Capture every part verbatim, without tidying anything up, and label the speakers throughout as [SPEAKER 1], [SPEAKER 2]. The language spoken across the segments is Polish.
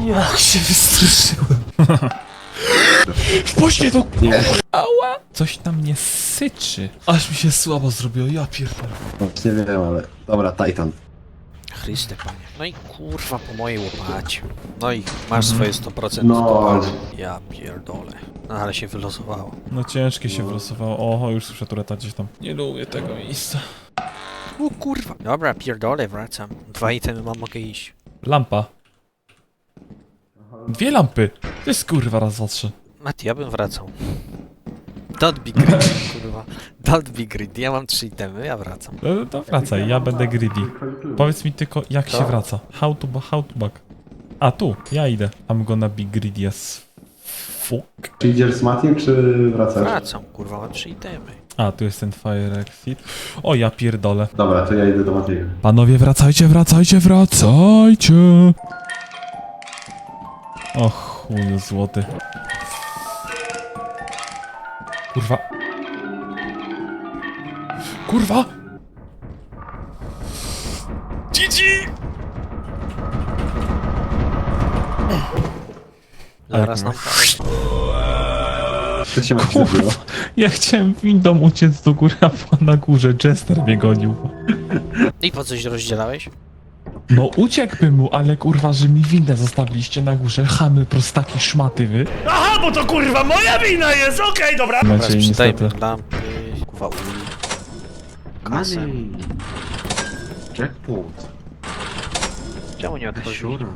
[SPEAKER 1] Jak się wystraszyłem. Właśnie to...
[SPEAKER 2] Nie.
[SPEAKER 1] Ała! Coś tam nie syczy. Aż mi się słabo zrobiło, ja pierdolę.
[SPEAKER 2] Nie wiem, ale... Dobra, Titan.
[SPEAKER 3] Chryste panie. No i kurwa po mojej łopacie. No i masz swoje sto procent
[SPEAKER 2] No.
[SPEAKER 3] kopalni. Ja pierdolę. No ale się wylosowało.
[SPEAKER 1] No ciężkie się wylosowało. Oho, już słyszę tureta gdzieś tam. Nie lubię tego miejsca.
[SPEAKER 3] O kurwa. Dobra, pierdolę, wracam. Dwa itemy mam, mogę iść.
[SPEAKER 1] Lampa. Dwie lampy. To jest kurwa raz, dwa, trzy.
[SPEAKER 3] Mati, ja bym wracał. Don't be greedy, kurwa. Don't be greedy. Ja mam trzy itemy, ja wracam.
[SPEAKER 1] No to wracaj, ja będę greedy. Powiedz mi tylko, jak
[SPEAKER 2] Co?
[SPEAKER 1] się wraca. How to, how to back. A tu, ja idę. I'm gonna be greedy as fuck.
[SPEAKER 2] Czy idziesz z Matim, czy wracasz?
[SPEAKER 3] Wracam, kurwa, mam trzy itemy.
[SPEAKER 1] A, tu jest ten fire exit. O, ja pierdolę.
[SPEAKER 2] Dobra, to ja idę do Matiego.
[SPEAKER 1] Panowie, wracajcie, wracajcie, wracajcie! O chuju złoty. Kurwa. Kurwa! G G!
[SPEAKER 3] Zaraz nam
[SPEAKER 2] Co się Mati zrobiło?
[SPEAKER 1] Ja chciałem windą uciec do góry, a na górze Jester mnie gonił.
[SPEAKER 3] I po coś rozdzielałeś?
[SPEAKER 1] No uciekłbym mu, ale kurwa, że mi windę zostawiliście na górze. Chamy, prostaki, szmaty wy.
[SPEAKER 4] Aha, bo to kurwa moja wina jest, okej, dobra.
[SPEAKER 3] Teraz
[SPEAKER 1] Macie
[SPEAKER 3] przydajmy
[SPEAKER 1] niestety.
[SPEAKER 3] lampy, kurwa uli. Kasę.
[SPEAKER 2] Money. Jackpot.
[SPEAKER 3] Czemu nie otworzyć?
[SPEAKER 2] Siura.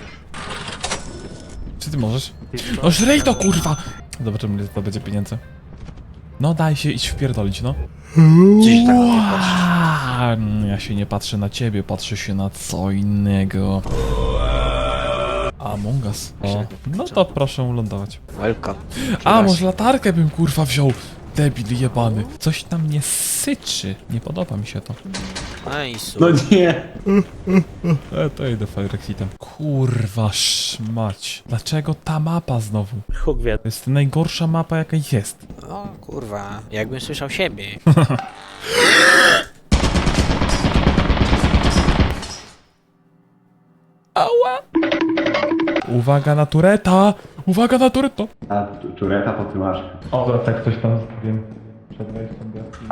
[SPEAKER 1] Czy ty możesz? No żrej to kurwa! Zobaczymy ile to będzie pieniędzy. No daj się iść wpierdolić, no.
[SPEAKER 3] Gdzieś tak na mnie patrzysz.
[SPEAKER 1] A, mm, ja się nie patrzę na ciebie, patrzę się na co innego. Among Us. O, no to proszę lądować.
[SPEAKER 3] Welcome.
[SPEAKER 1] A, może latarkę bym kurwa wziął. Debil jebany. Coś tam nie syczy. Nie podoba mi się to.
[SPEAKER 3] Nice.
[SPEAKER 2] No nie!
[SPEAKER 1] E, to idę fire exitem. Kurwa szmać. Dlaczego ta mapa znowu?
[SPEAKER 4] Huk wie.
[SPEAKER 1] To jest najgorsza mapa jaka jest.
[SPEAKER 3] O kurwa, jakbym słyszał siebie.
[SPEAKER 1] Ała! Uwaga na tureta! Uwaga na tureto!
[SPEAKER 2] A tu- tureta po tym masz.
[SPEAKER 1] O, tak coś tam wiem. Przed wejściem do jaskini.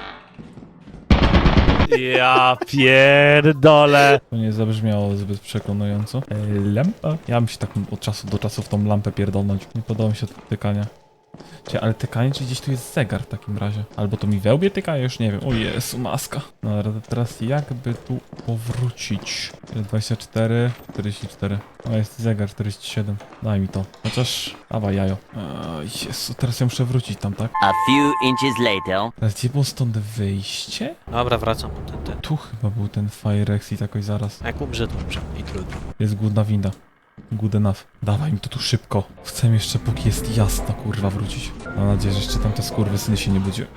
[SPEAKER 4] Ja pierdolę.
[SPEAKER 1] To nie zabrzmiało zbyt przekonująco. E, lampa? Ja bym się tak od czasu do czasu w tą lampę pierdolnąć. Nie podoba mi się to tykanie. Cie, ale tykanie, czy gdzieś tu jest zegar w takim razie? Albo to mi wełbie tyka? Ja już nie wiem. O Jezu, maska. No ale teraz jakby tu powrócić? dwadzieścia cztery, czterdzieści cztery. O, jest zegar czterdzieści siedem. Daj mi to. Chociaż... Dawaj jajo. O Jezu, teraz ja muszę wrócić tam, tak?
[SPEAKER 5] A few inches later.
[SPEAKER 1] Ale gdzie było stąd wyjście?
[SPEAKER 3] Dobra, wracam. Ten, ten.
[SPEAKER 1] Tu chyba był ten fire exit jakoś zaraz.
[SPEAKER 3] Jak umrze, to umrze. I trudno.
[SPEAKER 1] Jest głodna winda. Good enough. Dawaj mi to tu szybko. Chcę jeszcze póki jest jasno, kurwa, wrócić. Mam nadzieję, że jeszcze tam te skurwysyny się nie budziły.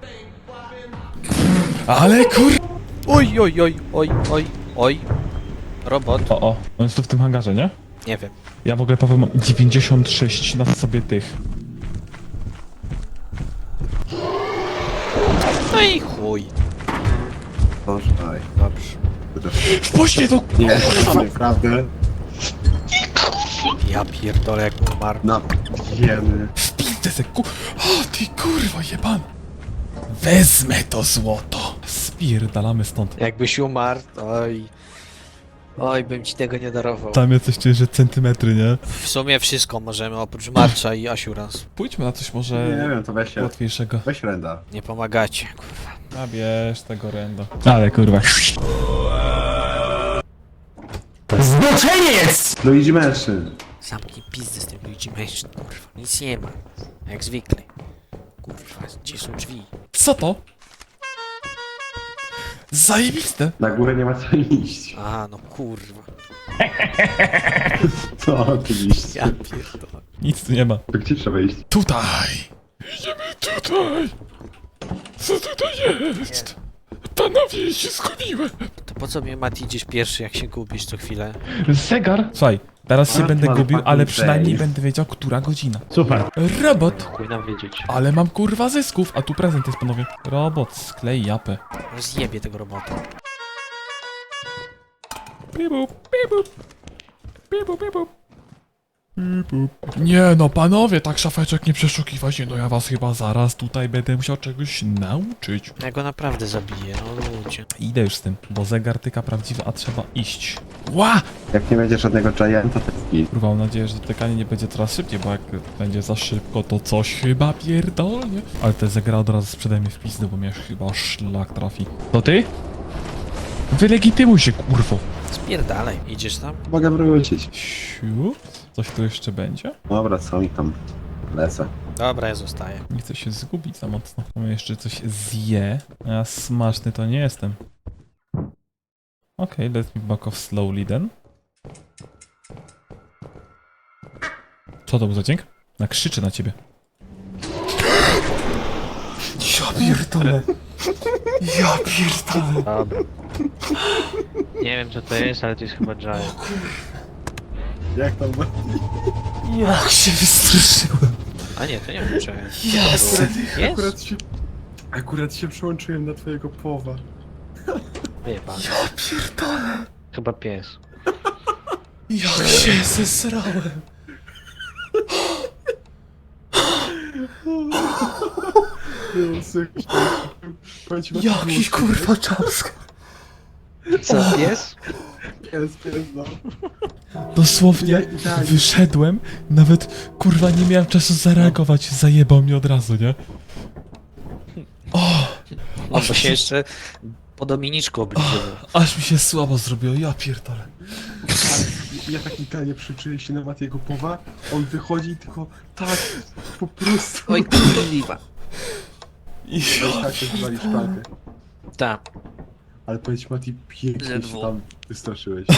[SPEAKER 1] Ale kur...
[SPEAKER 3] Oj, oj, oj, oj, oj, oj. Robot.
[SPEAKER 1] O, o. On jest tu w tym hangarze, nie?
[SPEAKER 3] Nie wiem.
[SPEAKER 1] Ja w ogóle, Paweł, mam dziewięćdziesiąt sześć na sobie tych.
[SPEAKER 3] No i chuj.
[SPEAKER 2] Boże, aj.
[SPEAKER 3] Dobrze.
[SPEAKER 1] Właśnie to...
[SPEAKER 2] Nie, naprawdę.
[SPEAKER 3] Ja pierdolę jak umarł.
[SPEAKER 2] No, wiemy.
[SPEAKER 1] Wpijcie se ku... O, ty kurwa jebana. Wezmę to złoto. Spierdalamy stąd.
[SPEAKER 3] Jakbyś umarł, oj. Oj, bym ci tego nie darował.
[SPEAKER 1] Tam jest coś czuję, że centymetry, nie?
[SPEAKER 3] W sumie wszystko możemy, oprócz Marcza i Asiurans.
[SPEAKER 1] Pójdźmy na coś
[SPEAKER 2] Nie
[SPEAKER 1] może
[SPEAKER 2] wiem, to weź się.
[SPEAKER 1] łatwiejszego.
[SPEAKER 2] Weź renda.
[SPEAKER 3] Nie pomagacie, kurwa.
[SPEAKER 1] Zabierz tego renda. Ale kurwa.
[SPEAKER 2] Luigi mężczyzn.
[SPEAKER 3] Zamknij pizdy z tym Luigi mężczyzn, kurwa. Nic nie ma. Jak zwykle. Kurwa, gdzie są drzwi?
[SPEAKER 1] Co to? Zajebiste!
[SPEAKER 2] Na górę nie ma co iść.
[SPEAKER 3] Aha, no kurwa.
[SPEAKER 2] Co oczywiście.
[SPEAKER 3] Ja pierdolę.
[SPEAKER 1] Nic tu nie ma.
[SPEAKER 2] To gdzie trzeba iść?
[SPEAKER 1] Tutaj! Idziemy tutaj! Co tutaj jest? Panowie, się zgubiłem!
[SPEAKER 3] To po co mnie, Mati, idziesz pierwszy, jak się gubisz co chwilę?
[SPEAKER 1] Zegar? Słuchaj, teraz się
[SPEAKER 2] Ale
[SPEAKER 1] będę
[SPEAKER 2] ma
[SPEAKER 1] gubił,
[SPEAKER 2] fucking
[SPEAKER 1] ale przynajmniej
[SPEAKER 2] face.
[SPEAKER 1] będę wiedział, która godzina.
[SPEAKER 4] Super.
[SPEAKER 1] Robot!
[SPEAKER 3] Chuj nam wiedzieć.
[SPEAKER 1] Ale mam kurwa zysków, a tu prezent jest, panowie. Robot, sklej japę.
[SPEAKER 3] Rozjebie tego robota.
[SPEAKER 1] Bibu, bibu. Bibu, bibu. Nie no, panowie, tak szafeczek nie przeszukiwać, nie no ja was chyba zaraz tutaj będę musiał czegoś nauczyć.
[SPEAKER 3] Ja go naprawdę zabiję, no ludzie.
[SPEAKER 1] Idę już z tym, bo zegar tyka prawdziwy, a trzeba iść. Ła!
[SPEAKER 2] Jak nie będzie żadnego gianta, to jest git.
[SPEAKER 1] Kurwa, mam nadzieję, że tykanie nie będzie coraz szybciej, bo jak będzie za szybko, to coś chyba pierdolnie. Ale te zegara od razu sprzedaj mi w pizdę, bo mnie chyba szlak trafi. To ty? Wylegitymuj się, kurwo.
[SPEAKER 3] Spierdalaj, idziesz tam?
[SPEAKER 2] Mogę wrócić.
[SPEAKER 1] Siu? Coś tu jeszcze będzie?
[SPEAKER 2] Dobra, co mi tam? Lecę.
[SPEAKER 3] Dobra, ja zostaję.
[SPEAKER 1] Nie chcę się zgubić za mocno. Mam jeszcze coś zje. A ja smaczny to nie jestem. Okej, okay, let me back off slowly then. Co to był za dźwięk? Na krzyczy na ciebie. Ja pierdolę. Ja pierdolę.
[SPEAKER 6] Dobra. Nie wiem co to jest, ale to jest chyba Giant.
[SPEAKER 2] Jak tam?
[SPEAKER 1] Jak się wystraszyłem.
[SPEAKER 3] A nie, to nie wiem czy...
[SPEAKER 1] Jest.
[SPEAKER 3] Jest?
[SPEAKER 2] się... Akurat się przełączyłem na twojego połowa.
[SPEAKER 3] Wyjebane.
[SPEAKER 1] Ja pierdolę.
[SPEAKER 6] Chyba pies.
[SPEAKER 1] Jak się zesrałem. Jakiś kurwa czapska.
[SPEAKER 6] Co, pies?
[SPEAKER 2] Pies, pies, no.
[SPEAKER 1] Dosłownie
[SPEAKER 2] Ja idealnie.
[SPEAKER 1] wyszedłem, nawet kurwa nie miałem czasu zareagować, zajebał mnie od razu, nie? O,
[SPEAKER 3] O, bo się jeszcze po Dominiczku obliczyłem.
[SPEAKER 1] aż mi się słabo zrobiło, ja pierdolę.
[SPEAKER 2] Ja tak idealnie przyczynię się na Matiego powa, on wychodzi i tylko tak, po prostu.
[SPEAKER 3] Oj, kurwa.
[SPEAKER 1] I
[SPEAKER 2] Tak, zwali szpalkę.
[SPEAKER 3] Tak.
[SPEAKER 2] Ale powiedz Mati, pięknie się
[SPEAKER 3] Ledwo.
[SPEAKER 2] tam wystraszyłeś.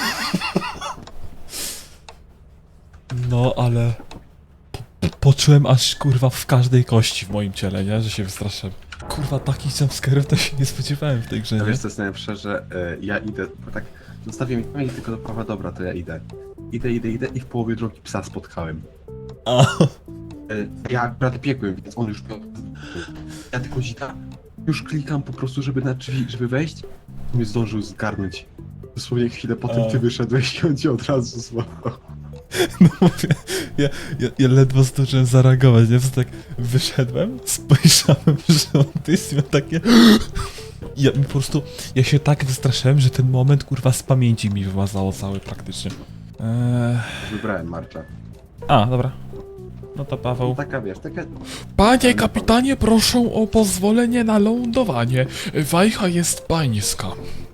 [SPEAKER 1] no, ale po, poczułem aż kurwa w każdej kości w moim ciele, nie? Że się wystraszyłem. Kurwa, takich jumpscare'ów to się nie spodziewałem w tej grze,
[SPEAKER 2] A
[SPEAKER 1] nie?
[SPEAKER 2] wiesz co jest najlepsze, że e, ja idę, bo tak zostawię mi kamień tylko do prawa, dobra, to ja idę. Idę, idę, idę i w połowie drogi psa spotkałem.
[SPEAKER 1] A,
[SPEAKER 2] E, ja akurat biegłem, więc on już miał... Ja tylko zita, już klikam po prostu, żeby na drzwi, żeby wejść, to mnie zdążył zgarnąć. Dosłownie chwilę potem
[SPEAKER 1] A.
[SPEAKER 2] ty wyszedłeś i on cię od razu złapał.
[SPEAKER 1] no mówię, ja, ja, ja ledwo zdążyłem zareagować, nie? To tak wyszedłem, spojrzałem, że on jest miał takie... Ja mi po prostu, ja się tak wystraszyłem, że ten moment kurwa z pamięci mi wyłazało cały praktycznie. Eee...
[SPEAKER 2] Wybrałem Marcza.
[SPEAKER 1] A, dobra. No to
[SPEAKER 2] No
[SPEAKER 1] Paweł.
[SPEAKER 2] taka wiesz, taka...
[SPEAKER 1] Panie kapitanie, proszę o pozwolenie na lądowanie. Wajcha jest pańska.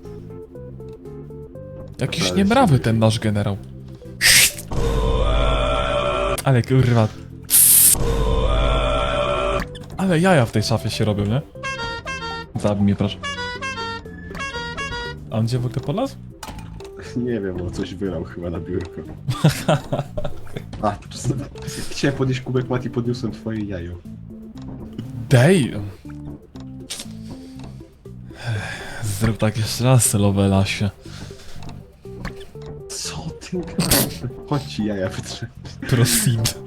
[SPEAKER 1] Jakiś
[SPEAKER 2] Dobra,
[SPEAKER 1] niemrawy
[SPEAKER 2] jest-
[SPEAKER 1] ten nasz generał. Ale kurwa. Ale jaja w tej szafie się robią, nie? Zabij mnie, proszę. A on gdzie w ogóle polazł?
[SPEAKER 2] Nie wiem, on coś wylał chyba na biurko. A, to czasem... Chciałem podnieść kubek Mati, podniosłem twoje jajo.
[SPEAKER 1] Dej! Zrób tak jeszcze raz, Lovelasie.
[SPEAKER 2] Co ty gadasz? Chodź ci jaja wytrzeć.
[SPEAKER 1] Proceed.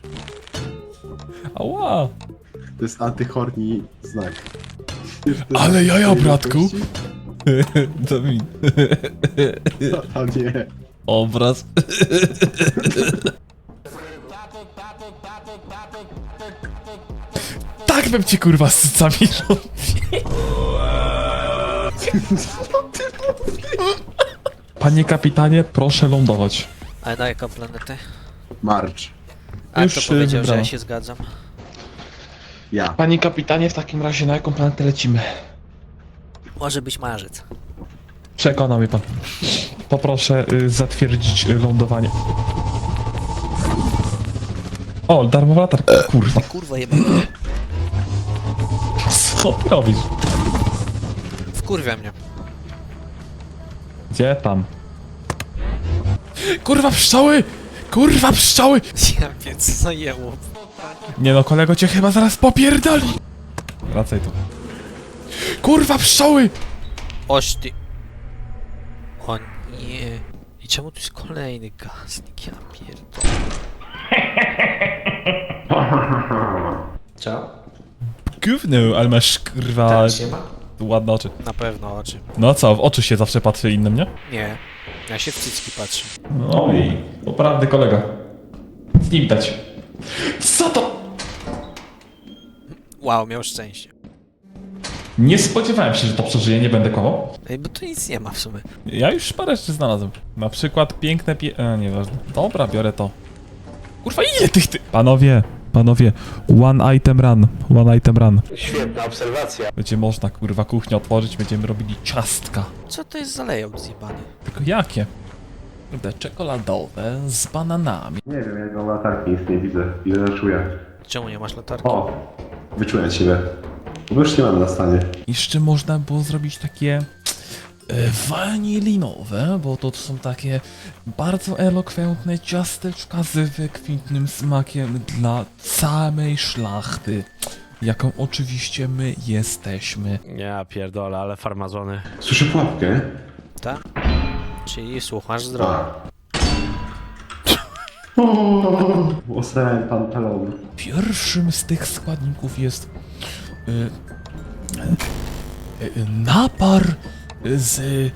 [SPEAKER 1] Ała!
[SPEAKER 2] To jest antychorni znak. Wiesz, to
[SPEAKER 1] Ale
[SPEAKER 2] jest
[SPEAKER 1] jaja,
[SPEAKER 2] tej
[SPEAKER 1] bratku.
[SPEAKER 2] jakości?
[SPEAKER 1] To mi.
[SPEAKER 2] A nie.
[SPEAKER 1] Obraz. Tak bym cię kurwa z cycami robił. Panie kapitanie, proszę lądować.
[SPEAKER 3] A na jaką planetę?
[SPEAKER 2] Marcz.
[SPEAKER 3] A
[SPEAKER 1] Już
[SPEAKER 3] kto
[SPEAKER 1] się
[SPEAKER 3] powiedział, że
[SPEAKER 1] wybrałem.
[SPEAKER 3] ja się zgadzam?
[SPEAKER 2] Ja.
[SPEAKER 1] Panie kapitanie, w takim razie na jaką planetę lecimy?
[SPEAKER 3] Może być marzec.
[SPEAKER 1] Przekonał mnie pan. Poproszę y, zatwierdzić y, lądowanie. O, darmowa latarka. Kurwa.
[SPEAKER 3] Kurwa jeba.
[SPEAKER 1] Co ty robisz?
[SPEAKER 3] Wkurwia mnie.
[SPEAKER 1] Gdzie tam? Kurwa pszczoły! Kurwa pszczoły!
[SPEAKER 3] Ja wiem, co zajęło.
[SPEAKER 1] Nie no, kolego cię chyba zaraz popierdoli! Wracaj tu. Kurwa pszczoły!
[SPEAKER 3] Oś ty. O nie. I czemu tu jest kolejny gaznik? Ja pierdolę.
[SPEAKER 7] Co?
[SPEAKER 1] Gówno, ale masz kurwa
[SPEAKER 7] Teraz się ma?
[SPEAKER 1] ładne oczy.
[SPEAKER 3] Na pewno oczy.
[SPEAKER 1] No co, w oczy się zawsze patrzy innym, nie?
[SPEAKER 3] Nie. Ja się w cycki patrzę.
[SPEAKER 1] Oj, poprawny kolega. nic nie widać. Co to?
[SPEAKER 3] Wow, miał szczęście.
[SPEAKER 1] Nie spodziewałem się, że to przeżyje, nie będę kłamał.
[SPEAKER 3] Ej, bo tu nic nie ma w sumie.
[SPEAKER 1] Ja już parę rzeczy znalazłem. Na przykład piękne pie... E, nieważne. Dobra, biorę to. Kurwa, ile tych ty... Panowie, panowie, one item run, one item run.
[SPEAKER 4] Świetna obserwacja.
[SPEAKER 1] Będzie można, kurwa, kuchnię otworzyć, będziemy robili ciastka.
[SPEAKER 3] Co to jest za layout zjebany?
[SPEAKER 1] Tylko jakie? Te czekoladowe z bananami.
[SPEAKER 2] Nie wiem, ja go latarki nic nie widzę. Ile na czuję.
[SPEAKER 3] Czemu nie masz latarki?
[SPEAKER 2] O! Wyczułem ciebie. Bo już nie mam na stanie.
[SPEAKER 1] Jeszcze można było zrobić takie e, wanilinowe, bo to są takie bardzo elokwentne ciasteczka z wykwintnym smakiem dla samej szlachty, jaką oczywiście my jesteśmy.
[SPEAKER 4] Ja pierdolę, ale farmazony.
[SPEAKER 2] Słyszę pułapkę.
[SPEAKER 3] Tak? Czyli słuchasz zdrowo.
[SPEAKER 2] A. Osrałem pantalon.
[SPEAKER 1] Pierwszym z tych składników jest y, y, y, napar z y,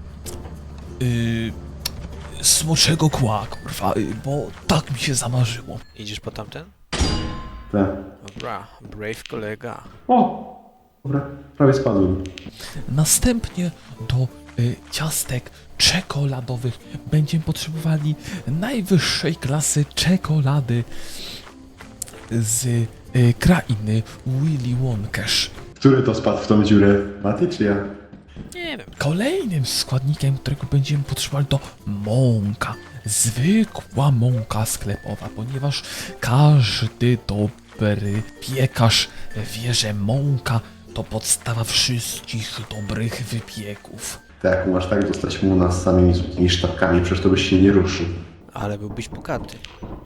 [SPEAKER 1] smoczego kła, kurwa, y, bo tak mi się zamarzyło.
[SPEAKER 3] Idziesz po tamten?
[SPEAKER 2] Tak.
[SPEAKER 3] Dobra, brave kolega.
[SPEAKER 2] O! Dobra, prawie spadłem.
[SPEAKER 1] Następnie do y, ciastek czekoladowych będziemy potrzebowali najwyższej klasy czekolady z y, krainy Willy Wonkash.
[SPEAKER 2] Który to spadł w tą dziurę? Mati czy ja?
[SPEAKER 3] Nie wiem.
[SPEAKER 1] Kolejnym składnikiem, którego będziemy potrzebowali, to mąka. Zwykła mąka sklepowa, ponieważ każdy dobry piekarz wie, że mąka to podstawa wszystkich dobrych wypieków.
[SPEAKER 2] Tak, masz tak dostać mu nas z samymi złotymi sztabkami, przecież to byś się nie ruszył.
[SPEAKER 3] Ale byłbyś bogaty.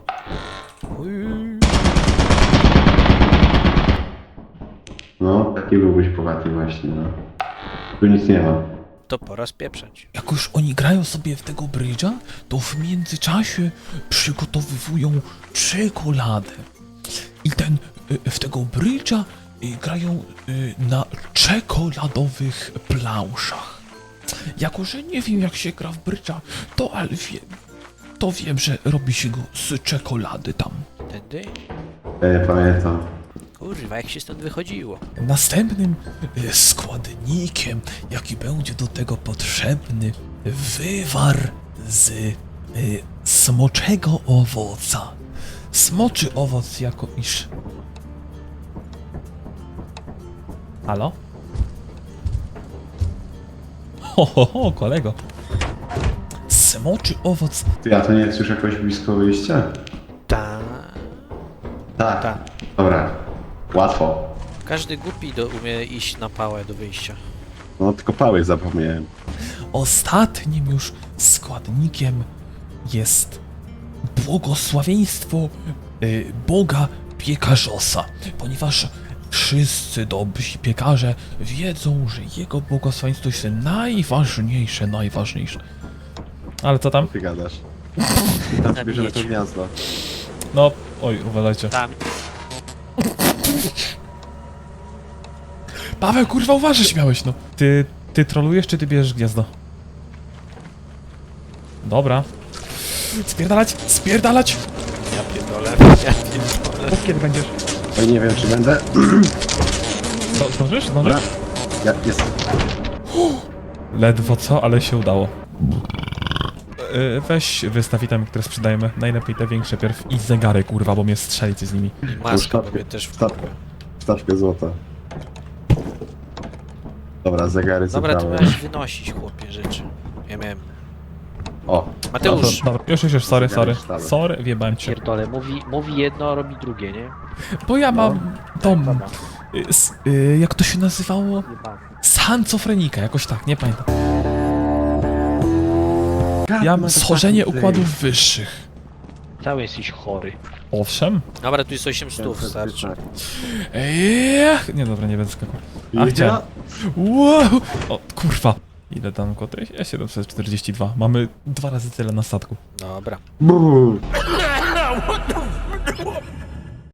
[SPEAKER 2] No, taki byłbyś bogaty właśnie, no. Tu nic nie ma.
[SPEAKER 3] To pora spieprzać.
[SPEAKER 1] Jak już oni grają sobie w tego brydża, to w międzyczasie przygotowywują czekoladę. I ten, y, w tego brydża y, grają y, na czekoladowych planszach. Jako, że nie wiem jak się gra w brydża, to ale wiem, to wiem, że robi się go z czekolady tam.
[SPEAKER 3] Tędy?
[SPEAKER 2] Ja nie pamiętam.
[SPEAKER 3] Kurwa, jak się stąd wychodziło?
[SPEAKER 1] Następnym y, składnikiem, jaki będzie do tego potrzebny, wywar z y, smoczego owoca. Smoczy owoc jako iż... Halo? Ho, ho, ho, kolego. Smoczy owoc.
[SPEAKER 2] Ty, a to nie jest już jakoś blisko wyjścia?
[SPEAKER 3] Ta.
[SPEAKER 2] Tak.
[SPEAKER 3] Ta.
[SPEAKER 2] Dobra. Łatwo.
[SPEAKER 3] Każdy głupi do, umie iść na pałę do wyjścia.
[SPEAKER 2] No, tylko pały zapomniałem.
[SPEAKER 1] Ostatnim już składnikiem jest błogosławieństwo y, Boga Piekarzosa, ponieważ wszyscy dobrzy piekarze wiedzą, że jego błogosławieństwo jest najważniejsze, najważniejsze. Ale co tam?
[SPEAKER 2] Ty gadasz. Tam bierzemy to gniazdo.
[SPEAKER 1] No, oj, uważajcie.
[SPEAKER 3] Tam.
[SPEAKER 1] Paweł, kurwa, uważaj, śmiałeś, no. Ty, ty trolujesz, czy ty bierzesz gniazdo? Dobra. Spierdalać, spierdalać!
[SPEAKER 3] Ja pierdolę. Ja pierdolę.
[SPEAKER 1] Kiedy będziesz?
[SPEAKER 2] Oj, nie wiem, czy będę.
[SPEAKER 1] Co, zdążysz?
[SPEAKER 2] Dobra.
[SPEAKER 1] Zdążysz?
[SPEAKER 2] Ja, jest.
[SPEAKER 1] Ledwo co, ale się udało. Yy, weź wystaw itemy, które sprzedajemy. Najlepiej te większe pierw i zegary, kurwa, bo mnie strzelicie z nimi.
[SPEAKER 3] I maska, bo mnie też w
[SPEAKER 2] Stawkę. Stawkę złota. Dobra, zegary
[SPEAKER 3] Dobra, ty
[SPEAKER 2] zebrałem.
[SPEAKER 3] miałeś wynosić, chłopie, rzeczy. Ja miałem.
[SPEAKER 2] O,
[SPEAKER 3] Mateusz,
[SPEAKER 1] Dobra, już, już, już, sorry, sorry.
[SPEAKER 2] Zegary sztaby.
[SPEAKER 1] Sorry, wjebałem cię.
[SPEAKER 6] Pierdolę, mówi, mówi jedno, a robi drugie, nie?
[SPEAKER 1] Bo ja mam dom.
[SPEAKER 6] Dobra,
[SPEAKER 1] y, s- y, jak to się nazywało?
[SPEAKER 6] jebany.
[SPEAKER 1] Schizofrenika, jakoś tak, nie pamiętam.
[SPEAKER 2] God,
[SPEAKER 1] Ja
[SPEAKER 2] ma
[SPEAKER 1] mam
[SPEAKER 2] to
[SPEAKER 1] schorzenie
[SPEAKER 2] taki
[SPEAKER 1] układów wyższych.
[SPEAKER 6] Cały jesteś chory.
[SPEAKER 1] Owszem.
[SPEAKER 3] dobra, tu jest osiem stów, starczy.
[SPEAKER 1] Ech, nie, dobra, nie będę skakał. A
[SPEAKER 2] Ja-
[SPEAKER 1] chciałem. Wow! O, kurwa. Ile tam koty? Ja siedemset czterdzieści dwa. Mamy dwa razy tyle na statku.
[SPEAKER 3] Dobra.
[SPEAKER 2] Brrr.